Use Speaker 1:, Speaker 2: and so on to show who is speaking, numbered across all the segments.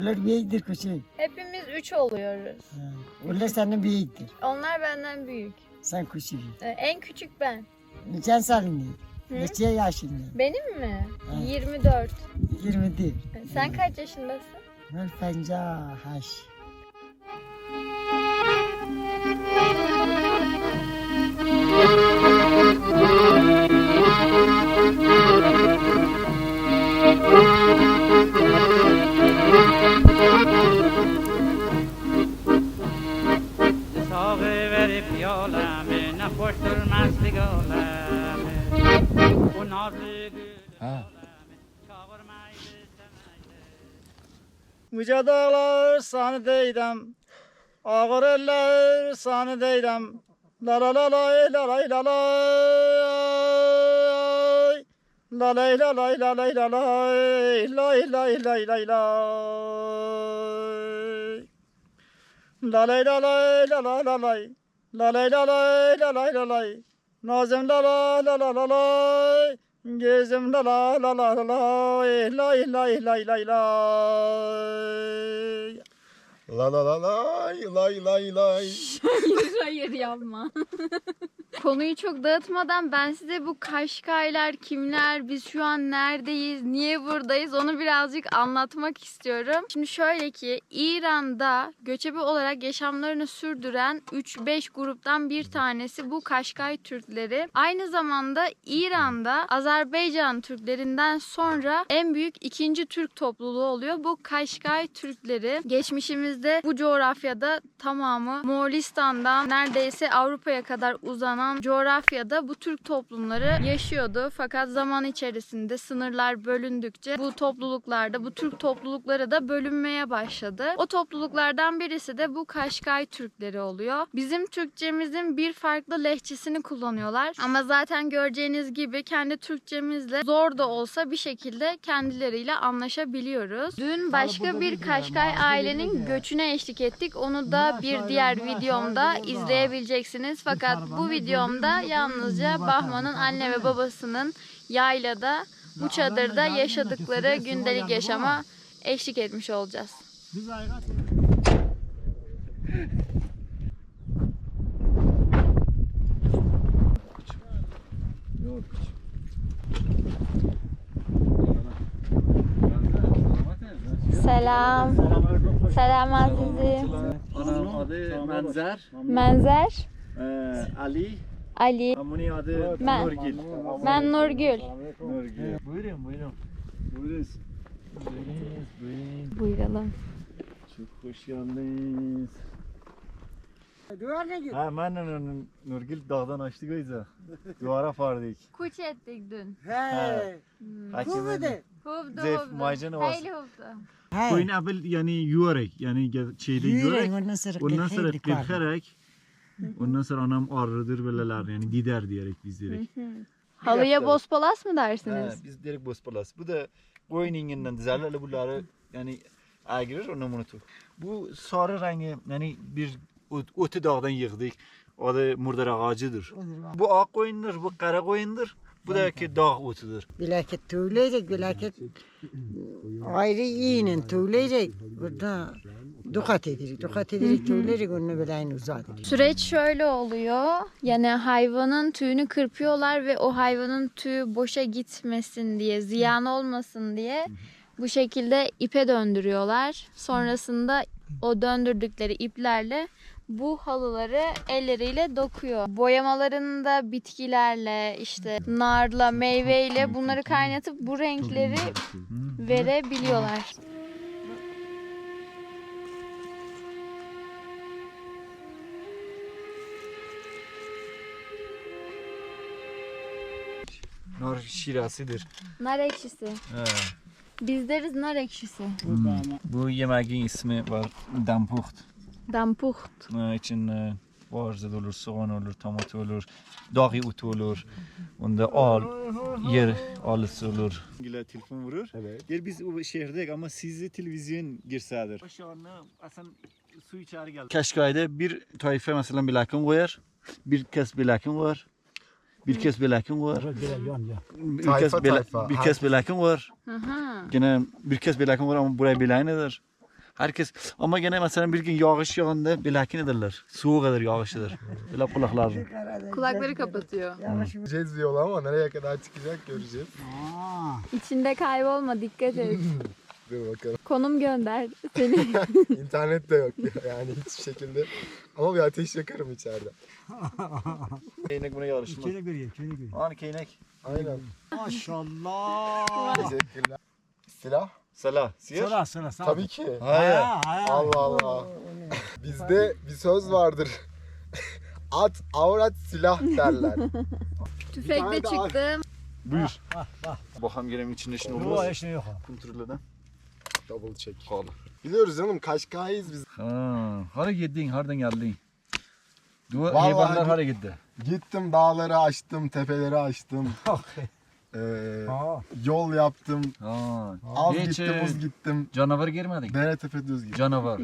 Speaker 1: Onlar büyüktür küçük.
Speaker 2: Hepimiz 3 oluyoruz.
Speaker 1: Onlar senden büyüktür.
Speaker 2: Onlar benden büyük.
Speaker 1: Sen küçük.
Speaker 2: En küçük ben.
Speaker 1: Neçen salın?
Speaker 2: Hı?
Speaker 1: Neçe yaşında?
Speaker 2: Benim mi?
Speaker 1: Evet.
Speaker 2: 24.
Speaker 1: 21.
Speaker 2: Sen kaç yaşındasın?
Speaker 1: Ben 58.
Speaker 3: Sağı verip yolame, ne hoş durmazlık olame. O nazlı gül çağırmaydı semaydı. Müce dağlar sana deydem, ağır eller sana deydem. La la la lay la lay la lay. La lay la lay la lay la lay. Lay lay lay lay lay. La lay la lay la la la lay. La lay la lay la lay la lay. Nazım la la la la la lay. Gözüm la la la la la lay. Lay lay lay lay lay.
Speaker 4: La la la lay lay lay lay.
Speaker 2: Hayır yapma. Konuyu çok dağıtmadan ben size bu Kaşkaylar kimler, biz şu an neredeyiz, niye buradayız onu birazcık anlatmak istiyorum. Şimdi şöyle ki İran'da göçebe olarak yaşamlarını sürdüren 3-5 gruptan bir tanesi bu Kaşkay Türkleri. Aynı zamanda İran'da Azerbaycan Türklerinden sonra en büyük ikinci Türk topluluğu oluyor. Bu Kaşkay Türkleri geçmişimizde bu coğrafyada tamamı Moğolistan'dan neredeyse Avrupa'ya kadar uzanan coğrafyada bu Türk toplumları yaşıyordu. Fakat zaman içerisinde sınırlar bölündükçe bu topluluklarda, bu Türk toplulukları da bölünmeye başladı. O topluluklardan birisi de bu Kaşkay Türkleri oluyor. Bizim Türkçemizin bir farklı lehçesini kullanıyorlar. Ama zaten göreceğiniz gibi kendi Türkçemizle zor da olsa bir şekilde kendileriyle anlaşabiliyoruz. Dün başka bir Kaşkay ailenin göçüne eşlik ettik. Onu da bir diğer videomda izleyebileceksiniz. Fakat bu videomda yalnızca Bahman'ın anne ve babasının yaylada, bu çadırda yaşadıkları gündelik yaşama eşlik etmiş olacağız. Selam. Selam azizim.
Speaker 4: Anam adı Menzer.
Speaker 2: Menzer.
Speaker 4: Ali.
Speaker 2: Ali.
Speaker 4: Amuni adı
Speaker 2: Ben.
Speaker 4: Nurgül.
Speaker 2: Ben Nurgül.
Speaker 4: Nurgül. Buyurun buyurun. Buyurun.
Speaker 2: Buyuralım.
Speaker 4: Çok hoş geldiniz.
Speaker 1: Duvar ne gibi?
Speaker 4: Ha ben Nurgül dağdan açtık o yüzden. Duvara fardık.
Speaker 2: Kuş ettik dün.
Speaker 1: He. Bu mu de?
Speaker 2: Huvdu
Speaker 4: Zef,
Speaker 2: huvdu.
Speaker 4: macunu var.
Speaker 2: Hayli huvdu.
Speaker 4: Koyun abel yani yuvarek yani şeyde yuvarek. Ondan sonra kırkarak. Ondan sonra anam ağrıdır böyleler yani gider diyerek biz direkt.
Speaker 2: Halıya bospalas mı dersiniz?
Speaker 4: Biz direkt bospalas. Bu da koyun inginden dizerlerle bunları yani agirir onu unutur. Bu sarı rengi yani bir otu dağdan yığdık. O da murdar ağacıdır. Bu ak koyundur, bu kara koyundur. Bu da ki dağ otudur.
Speaker 1: Bilaket tüyleyecek, bilaket ayrı yiyinin tüyleyecek. Burada dukat edirik tüyleyecek, onu bileğini uzadır.
Speaker 2: Süreç şöyle oluyor. Yani hayvanın tüyünü kırpıyorlar ve o hayvanın tüyü boşa gitmesin diye, ziyan olmasın diye bu şekilde ipe döndürüyorlar. Sonrasında o döndürdükleri iplerle bu halıları elleriyle dokuyor. Boyamalarını da bitkilerle, işte narla, meyveyle bunları kaynatıp bu renkleri verebiliyorlar.
Speaker 4: Nar şirasıdır.
Speaker 2: Nar ekşisi.
Speaker 4: He.
Speaker 2: Biz deriz nar ekşisi.
Speaker 4: Bu yemeğin ismi var dampuht.
Speaker 2: Dampucht.
Speaker 4: İçin varza olur, soğan olur, tomat olur, dağı otu olur. Onda al, yer alısı olur. Gila telefon vurur. Evet. Gel biz o şehirdeyiz ama sizde televizyon girsedir. Aşağıda aslında su içeri geldi. Kaşkay'da bir tayfa mesela bir lakin koyar. Bir kes bir lakin var. Bir kes bir lakin var. Bir kes bir lakin var. Gene bir kes bir lakin var ama buraya bir lakin eder. Herkes ama gene mesela bir gün yağış yağında bilakin ederler. Soğuk eder yağışıdır. Böyle kulaklarını.
Speaker 2: Kulakları kapatıyor.
Speaker 5: Göreceğiz bir yolu ama nereye kadar çıkacak göreceğiz.
Speaker 2: İçinde kaybolma, dikkat et.
Speaker 5: Dur bakalım.
Speaker 2: Konum gönder seni.
Speaker 5: İnternet de yok yani hiçbir şekilde. Ama bir ateş yakarım içeride.
Speaker 4: Keynek buna yarışmaz.
Speaker 6: Şöyle göreyim, şöyle göreyim.
Speaker 4: Hani keynek.
Speaker 5: Aynen.
Speaker 6: Maşallah.
Speaker 5: Teşekkürler. Silah?
Speaker 4: Sala. Siyah.
Speaker 6: Sıra sıra sağ.
Speaker 5: Tabii ki.
Speaker 4: Hayır.
Speaker 5: Allah Allah. Bizde bir söz vardır. At, avrat, silah derler.
Speaker 2: Tüfekle
Speaker 5: Bir tane daha.
Speaker 2: çıktım.
Speaker 4: Buyur. Bakalım gelemin içinde şimdi
Speaker 6: Yok
Speaker 4: olmaz.
Speaker 6: eşine yok.
Speaker 4: Kontrolden.
Speaker 5: Double check.
Speaker 4: Kal.
Speaker 5: Biliyoruz canım Kaşkay'ız biz.
Speaker 4: Ha, hara gittin, hardan geldin? Dua
Speaker 5: Vallahi
Speaker 4: hayvanlar hara gitti.
Speaker 5: Gittim dağları aştım, tepeleri aştım.
Speaker 6: Ha.
Speaker 5: Yol yaptım.
Speaker 4: Ha.
Speaker 5: Az
Speaker 4: Hiç,
Speaker 5: gittim, uz gittim.
Speaker 4: Canavar girmedik.
Speaker 5: Dere tepe düz gittim.
Speaker 4: Canavar.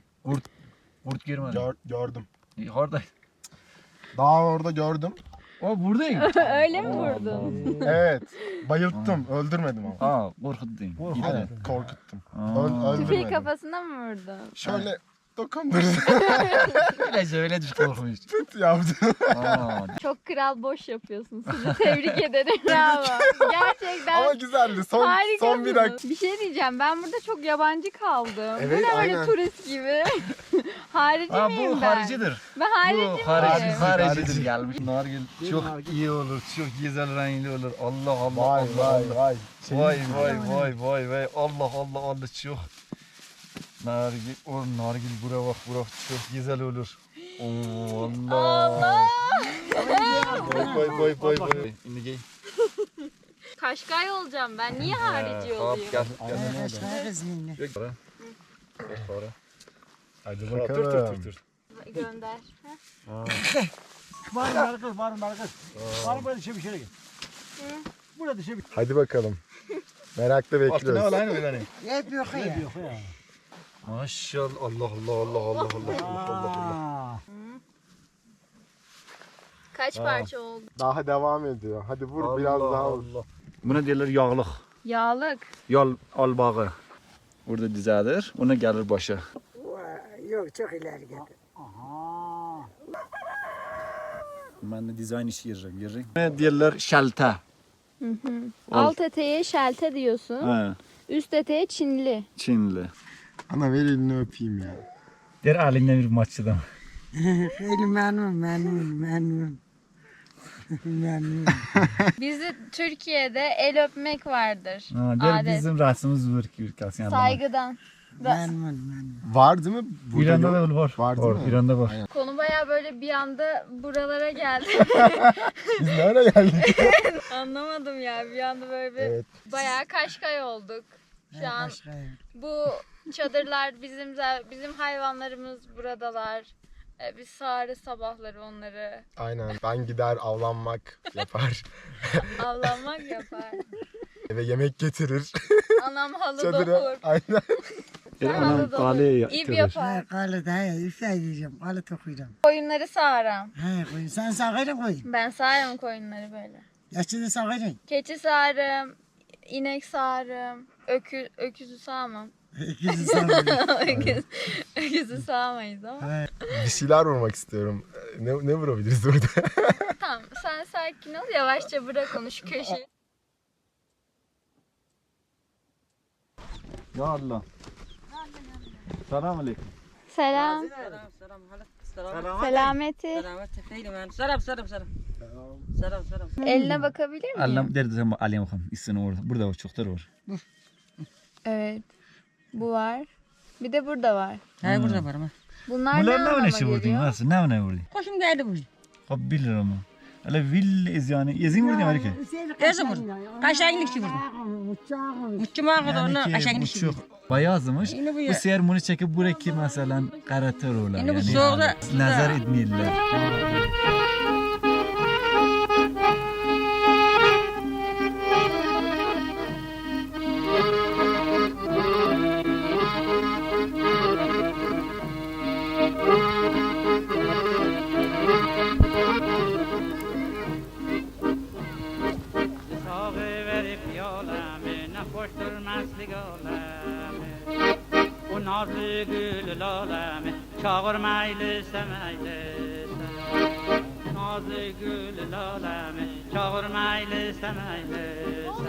Speaker 4: Kurt girmedi.
Speaker 5: Gördüm.
Speaker 4: Harda.
Speaker 5: Daha orada gördüm.
Speaker 4: O buradayım.
Speaker 2: Öyle mi vurdun?
Speaker 5: Evet. Bayılttım. Öldürmedim ama.
Speaker 4: Aa, korkuttun.
Speaker 6: Korkuttun.
Speaker 5: Evet, korkuttum.
Speaker 4: Aa.
Speaker 2: Tüfeği
Speaker 5: Öldürmedim.
Speaker 2: kafasına mı vurdun?
Speaker 5: Şöyle dokundurdum.
Speaker 4: Öyle düş korkmuş.
Speaker 5: Tut yaptım.
Speaker 4: Aa.
Speaker 2: Çok kral boş yapıyorsun. Sizi tebrik ederim. Bravo. Gerçekten
Speaker 5: Ama güzeldi. Son
Speaker 2: harikasınız.
Speaker 5: bir dakika.
Speaker 2: Bir şey diyeceğim. Ben burada çok yabancı kaldım.
Speaker 5: Evet,
Speaker 2: Bu ne böyle
Speaker 5: aynen.
Speaker 2: turist gibi? Harici
Speaker 4: Aa,
Speaker 2: miyim
Speaker 4: bu
Speaker 2: ben?
Speaker 4: haricidir.
Speaker 2: Ben harici
Speaker 4: Bu
Speaker 2: miyim?
Speaker 4: haricidir gelmiş. Nargil çok iyi olur, çok güzel renkli olur. Allah Allah
Speaker 5: Vay
Speaker 4: Allah
Speaker 5: vay
Speaker 4: Allah.
Speaker 5: vay.
Speaker 4: Vay vay vay vay. Allah Allah Allah çok. Nargil, o nargil bura bak bura çok güzel olur. Oo Allah. Vay vay vay vay. Şimdi gel.
Speaker 2: Kaşkay olacağım ben. Niye harici olayım?
Speaker 4: Gel.
Speaker 1: Kaşkay kızıyım.
Speaker 4: Gel. Para.
Speaker 5: Hadi
Speaker 4: Dur
Speaker 5: bakalım.
Speaker 4: dur dur.
Speaker 2: Gönder.
Speaker 6: Var mı kız, var mı kız? Var mı böyle dışarı bir şöyle gel. Burada dışarı bir
Speaker 5: Hadi bakalım. Merakla
Speaker 4: Altına
Speaker 5: bekliyoruz.
Speaker 4: al aynı öyle.
Speaker 1: Hep yok ya.
Speaker 6: yok ya.
Speaker 4: Maşallah Allah Allah Allah Allah Allah Allah Allah.
Speaker 2: Kaç parça oldu?
Speaker 5: Daha devam ediyor. Hadi vur biraz daha vur.
Speaker 4: Allah. Buna derler yağlık.
Speaker 2: Yağlık.
Speaker 4: Yol albağı. Burada dizadır. Ona gelir başa.
Speaker 1: Yok çok ileri gitti.
Speaker 6: Aha.
Speaker 4: Ben de dizayn işi yeririm. Ne derler? Şalta.
Speaker 2: Alt eteğe şelte diyorsun.
Speaker 4: Ha,
Speaker 2: Üst eteğe Çinli.
Speaker 4: Çinli.
Speaker 5: Ana ver elini öpeyim ya.
Speaker 4: Der alinden bir maççıdan.
Speaker 1: Öyle memnun.
Speaker 2: Bizde Türkiye'de el öpmek vardır.
Speaker 4: Der
Speaker 2: Adet.
Speaker 4: bizim rasımız var ki ülkesi.
Speaker 2: Saygıdan.
Speaker 1: Memnun.
Speaker 5: Var değil mi? Burada
Speaker 4: İran'da
Speaker 5: yok.
Speaker 4: da var.
Speaker 5: Var değil mi?
Speaker 4: İran'da var.
Speaker 2: Konu baya böyle bir anda buralara geldi.
Speaker 5: Biz nereye geldik?
Speaker 2: Anlamadım ya. Bir anda böyle bir
Speaker 5: Evet.
Speaker 2: bayağı Kaşkay olduk. Şu an
Speaker 1: Kaşkay.
Speaker 2: bu çadırlar bizim hayvanlarımız buradalar. Biz sağarız sabahları onları.
Speaker 5: Aynen. Ben gider avlanmak yapar.
Speaker 2: Avlanmak yapar.
Speaker 5: Eve yemek getirir.
Speaker 2: Anam halı
Speaker 5: Çadıra.
Speaker 2: dokur.
Speaker 5: Aynen.
Speaker 2: Sen halı dokur. İp yapar.
Speaker 1: Ha kalı da ya üfle yiyeceğim. Kalı tokuyacağım.
Speaker 2: Koyunları sağaram.
Speaker 1: Ha koyun. Sen sağırın koyun.
Speaker 2: Ben sağarım koyunları böyle.
Speaker 1: Yaşını sağırın.
Speaker 2: Keçi sağarım. İnek sağarım. Öküzü sağmam.
Speaker 1: İkisi sağırın.
Speaker 2: Öküzü sağmayız ama.
Speaker 5: Bir şeyler vurmak istiyorum. Ne vurabiliriz burada?
Speaker 2: Tamam sen sakin ol. Yavaşça bırak onu şu köşeyi.
Speaker 4: Ya Allah. Selam aleyküm.
Speaker 2: Selam. Selameti. Eline bakabilir miyim?
Speaker 4: Allah'ım derdi ama alayım bakalım. İsini orada. Burada var. Çoktur var.
Speaker 2: Evet. Bu var. Bir de burada var.
Speaker 7: Ha burada var ama.
Speaker 2: Bunlar ne
Speaker 4: Bunlar ne
Speaker 2: anlama
Speaker 4: işi vurdun?
Speaker 2: geliyor?
Speaker 4: Nasıl? Ne vurdu?
Speaker 7: Koşum geldi bu.
Speaker 4: Abi bilir ama. Öyle vil yani. Yazın vurdu Amerika.
Speaker 7: Teyze vurdu. Aşağı inlikçi vurdu. Muççuma kadar onu aşağı
Speaker 4: Yani
Speaker 7: inlikçi
Speaker 4: ki bu
Speaker 7: vurdu.
Speaker 4: çok bayazmış.
Speaker 7: Yine bu
Speaker 4: Bu
Speaker 7: ya.
Speaker 4: sefer bunu çekip buraya mesela karatör olar.
Speaker 7: Yine bu
Speaker 4: Yani
Speaker 7: soğukta-
Speaker 4: nazar etmeyiler.
Speaker 8: Sağı verip yolame, ne hoştur meslik olame. O naz Nazlı gül lalemi çağırmaylı semeyle Nazlı gül lalemi çağırmaylı semeyle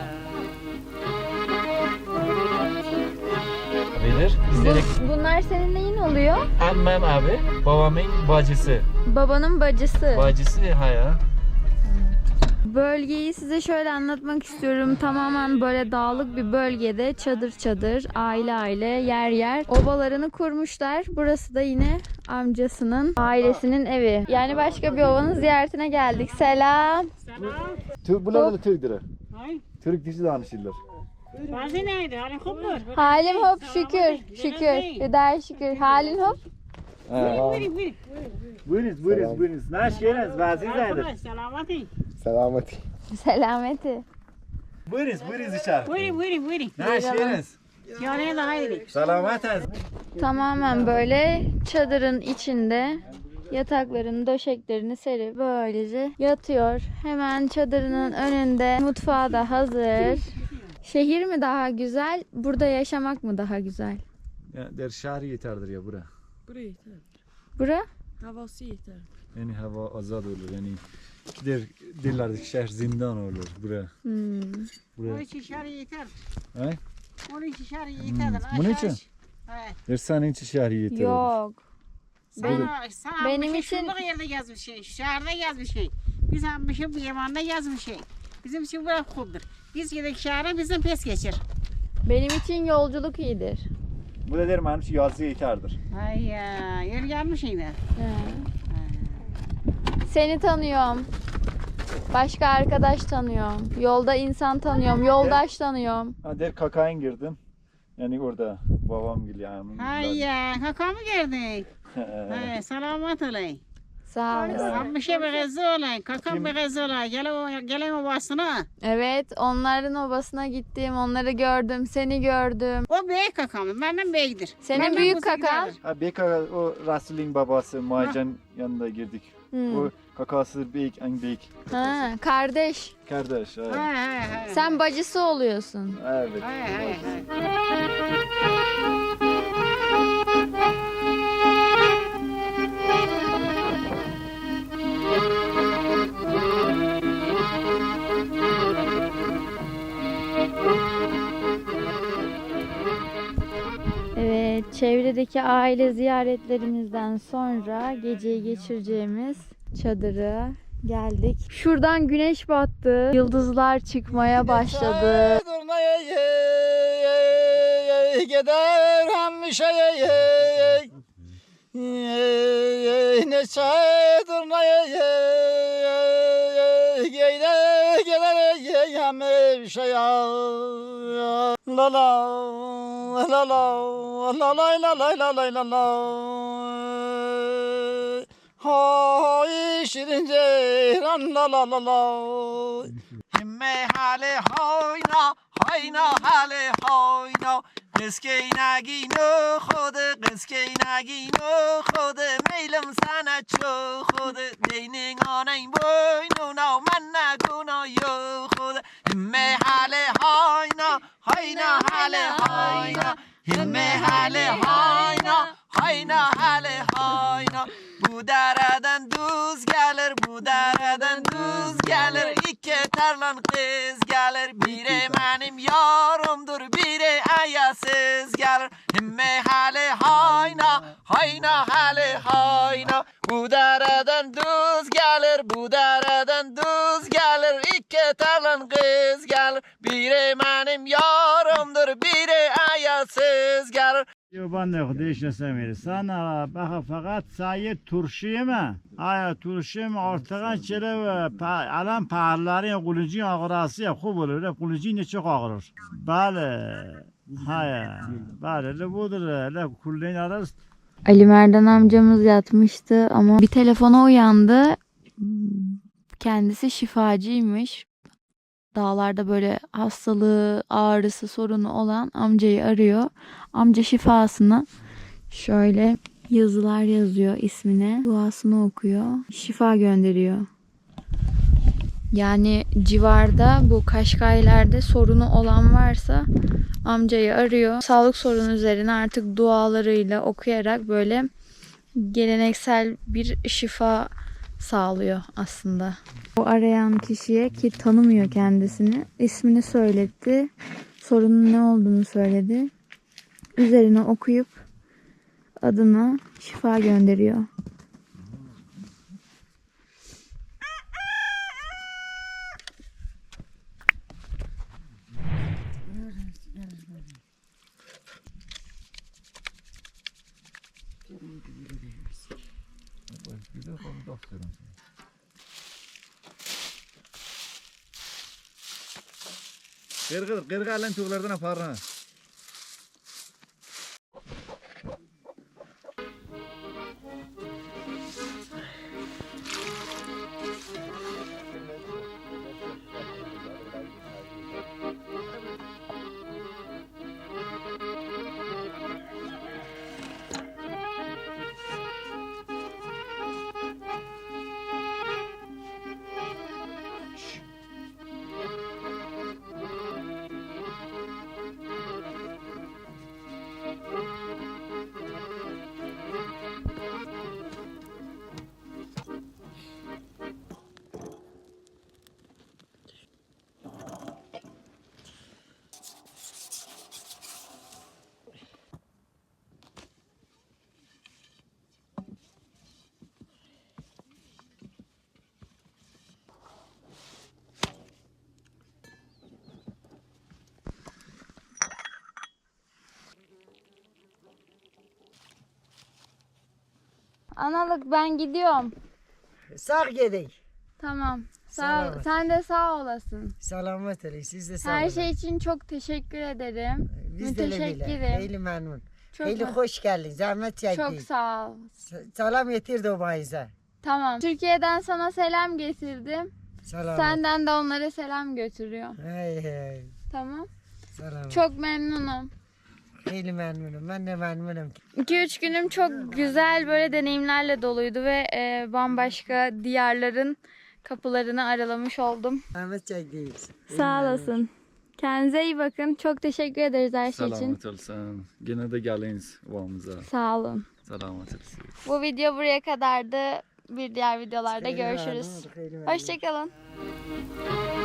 Speaker 4: Bilir. İzledik.
Speaker 2: Bunlar senin neyin oluyor?
Speaker 4: Ammam abi. Babamın bacısı.
Speaker 2: Babanın bacısı.
Speaker 4: Bacısı ya.
Speaker 2: Bölgeyi size şöyle anlatmak istiyorum. Tamamen böyle dağlık bir bölgede çadır çadır, aile aile, yer yer obalarını kurmuşlar. Burası da yine amcasının, ailesinin evi. Yani başka bir ovanın ziyaretine geldik. Selam.
Speaker 4: Bunlar da Türk'dür.
Speaker 7: Hay.
Speaker 4: Türk dişi danışırlar.
Speaker 7: Bazı neydi? Halin kopur.
Speaker 2: Halim hop şükür. Şükür. Hüdayi şükür. Halin hop.
Speaker 4: Buyurunuz. Naş geliniz. Vaziyetlerdir.
Speaker 7: Selamati.
Speaker 5: Selameti.
Speaker 2: Selameti.
Speaker 4: Buyurunuz içeri.
Speaker 7: Buyurun.
Speaker 4: Naş geliniz.
Speaker 7: Yani daha iyi.
Speaker 4: Selametiniz.
Speaker 2: Tamamen böyle çadırın içinde yataklarını, döşeklerini serip böylece yatıyor. Hemen çadırının önünde mutfağı da hazır. Şehir mi daha güzel, burada yaşamak mı daha güzel?
Speaker 4: Ya der şehri yeterdir ya bura.
Speaker 9: Buraya yeter.
Speaker 2: Bura?
Speaker 9: Havası yeter.
Speaker 4: Yani hava azad olur. Yani derlerdik şehir zindan olur bura.
Speaker 7: Onun için şehri yeter.
Speaker 4: He?
Speaker 7: Onun için şehri yeter.
Speaker 4: Bunun için?
Speaker 7: Evet.
Speaker 4: Der senin için şehri yeter.
Speaker 2: Yok.
Speaker 7: Benim
Speaker 2: benim için-
Speaker 7: şurada yerde yazmış şey, şehirde yazmış şey. Biz almışım bu yamanda yazmış şey. Bizim için bu kubdur. Biz gidelim şehre bizim pes geçir.
Speaker 2: Benim için yolculuk iyidir.
Speaker 4: Bu da der benim için yazı yeterdir.
Speaker 7: Ay ya, yer gelmiş yine.
Speaker 2: Seni tanıyorum. Başka arkadaş tanıyorum. Yolda insan tanıyorum. Yoldaş tanıyorum.
Speaker 4: Ha der kakayın girdim. Yani orada babam gibi yani.
Speaker 7: Hay ya, kaka mı geldik? Hay, selamet olay.
Speaker 2: Sağ olasın.
Speaker 7: Ammışa bir gezi olay, kaka bir gezi olay. Gelen obasına.
Speaker 2: Evet, onların obasına gittim. Onları gördüm. Seni gördüm.
Speaker 7: O büyük kakamız, benden büyüktür.
Speaker 2: Senin
Speaker 7: Benden
Speaker 2: büyük
Speaker 7: bu
Speaker 2: kaka.
Speaker 7: giderdir.
Speaker 4: Ha Beka o Rasul'in babası Macan yanında girdik. O kakası büyük en büyük.
Speaker 2: Ha, kardeş.
Speaker 4: Kardeş.
Speaker 7: Hay
Speaker 4: Evet.
Speaker 7: hay hay.
Speaker 2: Sen bacısı oluyorsun.
Speaker 4: Evet.
Speaker 7: Hay hay hay.
Speaker 2: Evet, çevredeki aile ziyaretlerimizden sonra geceyi geçireceğimiz çadıra geldik. Şuradan güneş battı. Yıldızlar çıkmaya başladı.
Speaker 3: Gider hemşe ne çaydır ne gider hemşe la la la la la la la la la hay şirin ceyran la la la la himme hale hayna hayna hale hayna قسکه نگینو خود قسکه نگینو خود میلم سنه چو خود دینین آنین بوینو نو من نگونا یو خود همه حاله هاینا هاینا حاله هاینا همه حاله هاینا هاینا حاله هاینا bu dereden düz gelir, bu dereden düz gelir. İki tarlan kız gelir, biri benim yarımdır, biri ayasız gelir. Himme hale hayna, hayna hale hayna. Bu dereden düz gelir, bu dereden düz gelir. İki tarlan kız gelir, biri benim yarımdır, biri ayasız gelir.
Speaker 6: Ben de خودش نسمیری sana bak fakat sayı turşuyu mu? Aya turşuyu mu ortadan çele ve alan pahalıların kulucu ağrısı ya خوب olur. Kulucu ne çok ağrır. Bale. Haya. Bale le budur. Le kulleyin arası.
Speaker 2: Ali Merdan amcamız yatmıştı ama bir telefona uyandı. Kendisi şifacıymış. Dağlarda böyle hastalığı, ağrısı, sorunu olan amcayı arıyor. Amca şifasını şöyle yazılar yazıyor ismine. Duasını okuyor. Şifa gönderiyor. Yani civarda bu Kaşkaylar'da sorunu olan varsa amcayı arıyor. Sağlık sorunu üzerine artık dualarıyla okuyarak böyle geleneksel bir şifa sağlıyor aslında. O arayan kişiye, ki tanımıyor kendisini, ismini söyletti. Sorunun ne olduğunu söyledi. Üzerine okuyup adına şifa gönderiyor.
Speaker 4: Qirqalan to'g'lardan aparma.
Speaker 2: Analık, ben gidiyorum.
Speaker 1: Sağ gidin.
Speaker 2: Tamam.
Speaker 1: Selamet.
Speaker 2: Sen de sağ olasın.
Speaker 1: Selamet olun. Siz de sağ
Speaker 2: Her
Speaker 1: olun.
Speaker 2: şey için çok teşekkür ederim.
Speaker 1: Biz de öyle bile.
Speaker 2: Müteşekkirim.
Speaker 1: Hayli memnun.
Speaker 2: Çok,
Speaker 1: Hayli hoş geldin. Zahmet çektin.
Speaker 2: çok sağ ol.
Speaker 1: Selam getirdi o bayıza.
Speaker 2: Tamam. Türkiye'den sana selam getirdim.
Speaker 1: Selam.
Speaker 2: Senden de onlara selam götürüyor.
Speaker 1: Hey hey.
Speaker 2: Tamam.
Speaker 1: Selam.
Speaker 2: Çok memnunum.
Speaker 1: Hayli memnunum. Ben de memnunum.
Speaker 2: 2-3 günüm çok güzel böyle deneyimlerle doluydu ve bambaşka diyarların kapılarını aralamış oldum.
Speaker 1: Zahmet çektiniz.
Speaker 2: Sağ olasın. Kendinize iyi bakın. Çok teşekkür ederiz her şey için.
Speaker 4: Salomat olsun. Gene de geliniz vamıza.
Speaker 2: Sağ olun.
Speaker 4: Salomat olsun.
Speaker 2: Bu video buraya kadardı. Bir diğer videolarda
Speaker 1: Hayli
Speaker 2: görüşürüz.
Speaker 1: memnun, hayli memnun.
Speaker 2: Hoşçakalın.